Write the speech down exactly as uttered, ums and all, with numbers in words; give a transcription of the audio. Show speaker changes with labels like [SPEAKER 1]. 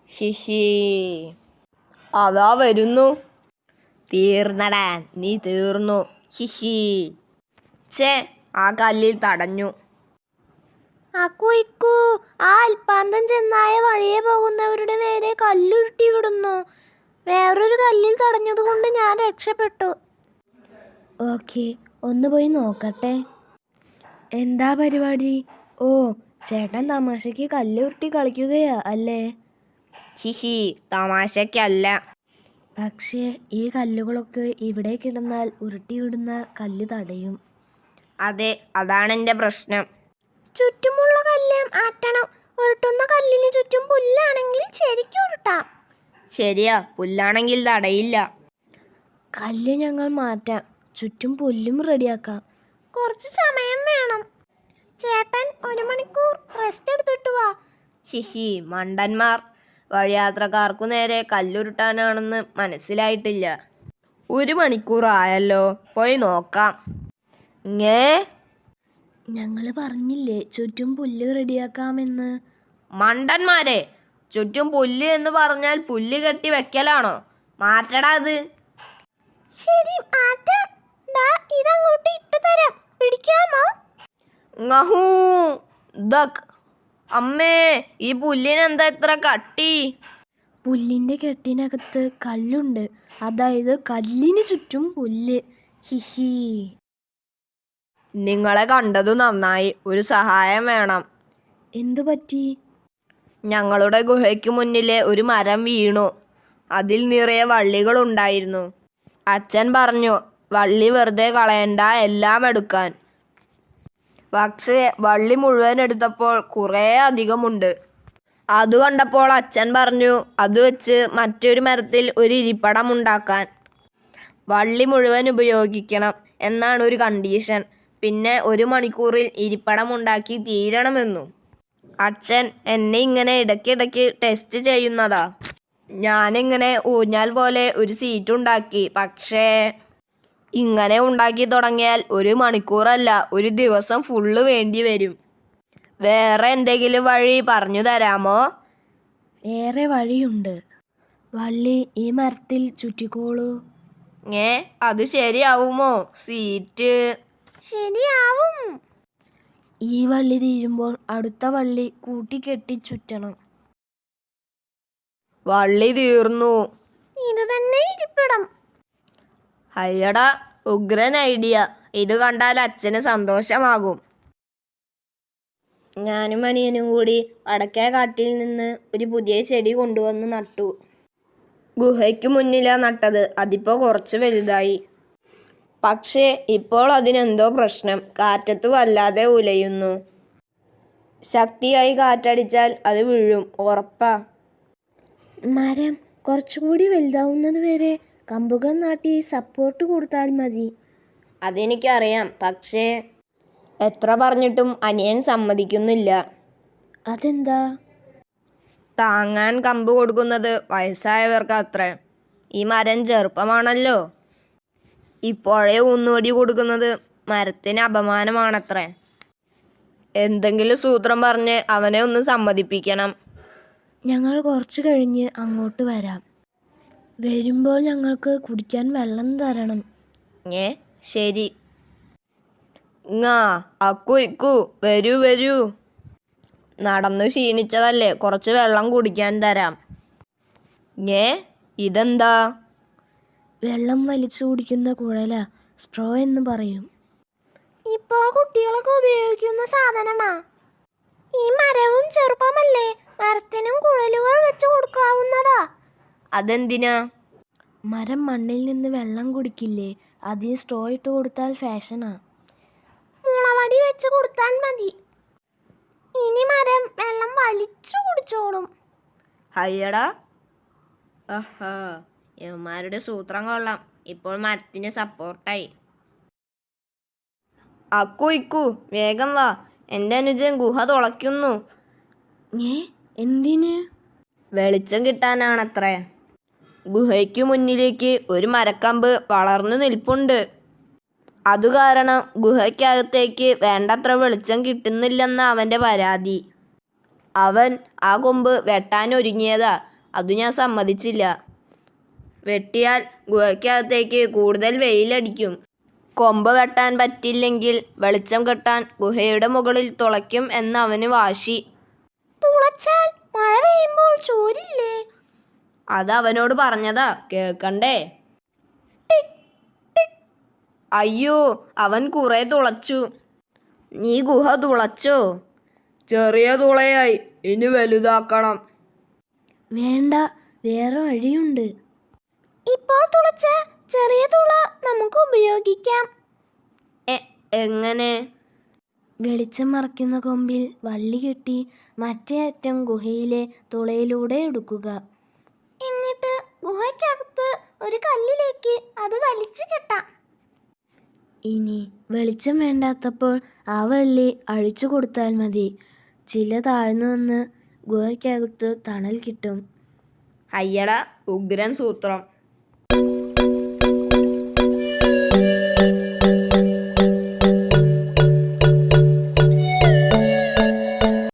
[SPEAKER 1] ഹിഹി, അതാ വരുന്നു. തീർന്നടാ, നീ തീർന്നു. ഹിഹി. ചേ, ആ കല്ലിൽ തടഞ്ഞു.
[SPEAKER 2] അക്കു ഇക്കു, ആ അൽപ്പാന്തം ചെന്നായ വഴിയെ പോകുന്നവരുടെ നേരെ കല്ലുരുട്ടി വിടുന്നു. വേറൊരു കല്ലിൽ തടഞ്ഞതുകൊണ്ട് ഞാൻ രക്ഷപ്പെട്ടു. ഓക്കെ, ഒന്ന് പോയി നോക്കട്ടെ. എന്താ പരിപാടി? ഓ, ചേട്ടൻ തമാശയ്ക്ക് കല്ലുരുട്ടി കളിക്കുകയാ അല്ലേ?
[SPEAKER 1] ഹിഹി, തമാശയ്ക്കല്ല.
[SPEAKER 2] പക്ഷേ ഈ കല്ലുകളൊക്കെ ഇവിടെ കിടന്നാൽ ഉരുട്ടി വിടുന്ന കല്ല് തടയും.
[SPEAKER 1] അതെ, അതാണ് എൻ്റെ പ്രശ്നം.
[SPEAKER 2] ചുറ്റുമുള്ള കല്ല് മാറ്റണം. ഉരുട്ടുന്ന കല്ലിന് ചുറ്റും പുല്ലാണെങ്കിൽ ശരിക്കും ഉരുട്ടാം.
[SPEAKER 1] ശരിയാ, പുല്ലാണെങ്കിൽ തടയില്ല.
[SPEAKER 2] കല്ല് ഞങ്ങൾ മാറ്റാം, ചുറ്റും പുല്ലും റെഡിയാക്കാം. കുറച്ച് സമയം വേണം. ചേട്ടൻ ഒരു മണിക്കൂർ റെസ്റ്റ് എടുത്തിട്ട് വാ.
[SPEAKER 1] ഹിഹി, മണ്ടന്മാർ. വഴിയാത്രക്കാർക്കു നേരെ കല്ലുരുട്ടാനാണെന്ന് മനസ്സിലായിട്ടില്ല. ഒരു മണിക്കൂർ ആയല്ലോ, പോയി നോക്കാം. ഞേ,
[SPEAKER 2] ഞങ്ങൾ പറഞ്ഞില്ലേ ചുറ്റും പുല്ല് റെഡിയാക്കാമെന്ന്.
[SPEAKER 1] മണ്ടന്മാരെ, ചുറ്റും പുല്ല് എന്ന് പറഞ്ഞാൽ പുല്ല് കെട്ടി വെക്കലാണോ? മാറ്റടാ അത്.
[SPEAKER 2] ശരി, മാറ്റാം. ദാ ഇതങ്ങോട്ട് ഇട്ടു തരാം, പിടിക്കാമോ?
[SPEAKER 1] ngahൂ ദക്. അമ്മേ, ഈ പുല്ലിനെന്താ ഇത്ര കട്ടി?
[SPEAKER 2] പുല്ലിൻ്റെ കെട്ടിനകത്ത് കല്ലുണ്ട്, അതായത് കല്ലിന് ചുറ്റും പുല്ല്. ഹിഹി.
[SPEAKER 1] നിങ്ങളെ കണ്ടതു നന്നായി. ഒരു സഹായം വേണം.
[SPEAKER 2] എന്തു പറ്റി?
[SPEAKER 1] ഞങ്ങളുടെ ഗുഹയ്ക്ക് മുന്നിലെ ഒരു മരം വീണു. അതിൽ നിറയെ വള്ളികളുണ്ടായിരുന്നു. അച്ഛൻ പറഞ്ഞു വള്ളി വെറുതെ കളയണ്ട, എല്ലാം എടുക്കാൻ. പക്ഷേ വള്ളി മുഴുവൻ എടുത്തപ്പോൾ കുറേ അധികമുണ്ട്. അത് കണ്ടപ്പോൾ അച്ഛൻ പറഞ്ഞു അത് വെച്ച് മറ്റൊരു മരത്തിൽ ഒരു ഇരിപ്പിടം ഉണ്ടാക്കാൻ. വള്ളി മുഴുവൻ ഉപയോഗിക്കണം എന്നാണ് ഒരു കണ്ടീഷൻ. പിന്നെ ഒരു മണിക്കൂറിൽ ഇരിപ്പിടം ഉണ്ടാക്കി തീരണമെന്നും. അച്ഛൻ എന്നെ ഇങ്ങനെ ഇടയ്ക്കിടയ്ക്ക് ടെസ്റ്റ് ചെയ്യുന്നതാ. ഞാനിങ്ങനെ ഊഞ്ഞാൽ പോലെ ഒരു സീറ്റ് ഉണ്ടാക്കി. പക്ഷേ ഇങ്ങനെ ഉണ്ടാക്കി തുടങ്ങിയാൽ ഒരു മണിക്കൂറല്ല, ഒരു ദിവസം ഫുള്ള് വേണ്ടി വരും. വേറെ എന്തെങ്കിലും വഴി പറഞ്ഞു തരാമോ?
[SPEAKER 2] വേറെ വഴിയുണ്ട്. വള്ളി ഈ മരത്തിൽ ചുറ്റിക്കോളൂ.
[SPEAKER 1] ഏ, അത് ശരിയാവുമോ? സീറ്റ്
[SPEAKER 2] ശരിയാവും. ഈ വള്ളി തീരുമ്പോൾ അടുത്ത വള്ളി കൂട്ടിക്കെട്ടി ചുറ്റണം.
[SPEAKER 1] വള്ളി തീർന്നു.
[SPEAKER 2] ഇത് തന്നെ ഇരിപ്പിടം.
[SPEAKER 1] അയ്യടാ, ഉഗ്രൻ ഐഡിയ. ഇത് കണ്ടാൽ അച്ഛന് സന്തോഷമാകും. ഞാനും അനിയനും കൂടി വടക്കേ കാട്ടിൽ നിന്ന് ഒരു പുതിയ ചെടി കൊണ്ടുവന്ന് നട്ടു. ഗുഹയ്ക്ക് മുന്നിലാ നട്ടത്. അതിപ്പോൾ കുറച്ച് വലുതായി. പക്ഷേ ഇപ്പോൾ അതിനെന്തോ പ്രശ്നം. കാറ്റത്ത് വല്ലാതെ ഉലയുന്നു. ശക്തിയായി കാറ്റടിച്ചാൽ അത് വീഴും, ഉറപ്പാ.
[SPEAKER 2] മരം കുറച്ചുകൂടി വലുതാവുന്നത് വരെ കമ്പുകൾ നാട്ടി സപ്പോർട്ട് കൊടുത്താൽ മതി.
[SPEAKER 1] അതെനിക്കറിയാം, പക്ഷേ എത്ര പറഞ്ഞിട്ടും അനിയൻ സമ്മതിക്കുന്നില്ല.
[SPEAKER 2] അതെന്താ?
[SPEAKER 1] താങ്ങാൻ കമ്പ് കൊടുക്കുന്നത് വയസ്സായവർക്ക് അത്രേ. ഈ മരം ചെറുപ്പമാണല്ലോ. ഇപ്പോഴേ ഊന്നുവടി കൊടുക്കുന്നത് മരത്തിന് അപമാനമാണത്രേ. എന്തെങ്കിലും സൂത്രം പറഞ്ഞ് അവനെ ഒന്ന് സമ്മതിപ്പിക്കണം.
[SPEAKER 2] ഞങ്ങൾ കുറച്ച് കഴിഞ്ഞ് അങ്ങോട്ട് വരാം. വരുമ്പോൾ ഞങ്ങൾക്ക് കുടിക്കാൻ വെള്ളം തരണം.
[SPEAKER 1] ഏ, ശരി. ങാ, അക്കു ഇക്കു, വരൂ വരൂ. നടന്നു ക്ഷീണിച്ചതല്ലേ, കുറച്ച് വെള്ളം കുടിക്കാൻ തരാം. ഏ, ഇതെന്താ?
[SPEAKER 2] വെള്ളം വലിച്ചു കുടിക്കുന്ന കുഴല, സ്ട്രോ എന്ന് പറയും. ഇപ്പോൾ കുട്ടികളൊക്കെ ഉപയോഗിക്കുന്ന സാധനമാ. ഈ മരവും ചെറുപ്പമല്ലേ, മരത്തിനും കുഴലുകൾ വെച്ച് കൊടുക്കാവുന്നതാ.
[SPEAKER 1] അതെന്തിനാ?
[SPEAKER 2] മരം മണ്ണിൽ നിന്ന് വെള്ളം കുടിക്കില്ലേ, അതിൽ സ്ട്രോ ഇട്ട് കൊടുത്താൽ ഫാഷനാ. മുളവടി വെച്ച് കൊടുത്താൽ മതി. ഇനി മരം വെള്ളം വലിച്ചു കുടിച്ചോളും.
[SPEAKER 1] അയ്യടാ, ആഹാ, യവന്മാരുടെ സൂത്രം കൊള്ളാം. ഇപ്പോൾ മരത്തിന് സപ്പോർട്ടായി. അക്കു ഇക്കു, വേഗം വാ. എൻ്റെ അനുജൻ ഗുഹ തുളയ്ക്കുന്നു.
[SPEAKER 2] ഏ, എന്തിന്?
[SPEAKER 1] വെളിച്ചം കിട്ടാനാണത്രേ. ഗുഹയ്ക്കു മുന്നിലേക്ക് ഒരു മരക്കമ്പ് വളർന്നു നിൽപ്പുണ്ട്. അതുകാരണം ഗുഹയ്ക്കകത്തേക്ക് വേണ്ടത്ര വെളിച്ചം കിട്ടുന്നില്ലെന്ന അവൻ്റെ പരാതി. അവൻ ആ കൊമ്പ് വെട്ടാനൊരുങ്ങിയതാ. അത് ഞാൻ സമ്മതിച്ചില്ല. വെട്ടിയാൽ ഗുഹയ്ക്കകത്തേക്ക് കൂടുതൽ വെയിലടിക്കും. കൊമ്പ് വെട്ടാൻ പറ്റില്ലെങ്കിൽ വെളിച്ചം കെട്ടാൻ ഗുഹയുടെ മുകളിൽ തുളയ്ക്കും എന്നവന് വാശി.
[SPEAKER 2] തുളച്ചാൽ മഴ പെയ്യുമ്പോൾ ചോരില്ലേ?
[SPEAKER 1] അതവനോട് പറഞ്ഞതാ, കേൾക്കണ്ടേ? അയ്യോ, അവൻ കുറെ തുളച്ചു. നീ ഗുഹ തുളച്ചോ? ചെറിയ തുളയായി, ഇനി വലുതാക്കണം.
[SPEAKER 2] വേണ്ട, വേറെ വഴിയുണ്ട്. ഇപ്പോൾ തുളച്ച ചെറിയ തുള നമുക്ക് ഉപയോഗിക്കാം.
[SPEAKER 1] എങ്ങനെ?
[SPEAKER 2] വെളിച്ചം മറയ്ക്കുന്ന കൊമ്പിൽ വള്ളി കെട്ടി മറ്റേ അറ്റം ഗുഹയിലെ തുളയിലൂടെ എടുക്കുക. എന്നിട്ട് ഗുഹയ്ക്കകത്ത് ഒരു കല്ലിലേക്ക് അത് വലിച്ചു കെട്ടാം. ഇനി വെളിച്ചം വേണ്ടാത്തപ്പോൾ ആ വള്ളി അഴിച്ചു കൊടുത്താൽ മതി. ചില താഴ്ന്നു വന്ന് ഗുഹയ്ക്കകത്ത് തണൽ കിട്ടും.
[SPEAKER 1] അയ്യട, ഉഗ്രൻ സൂത്രം.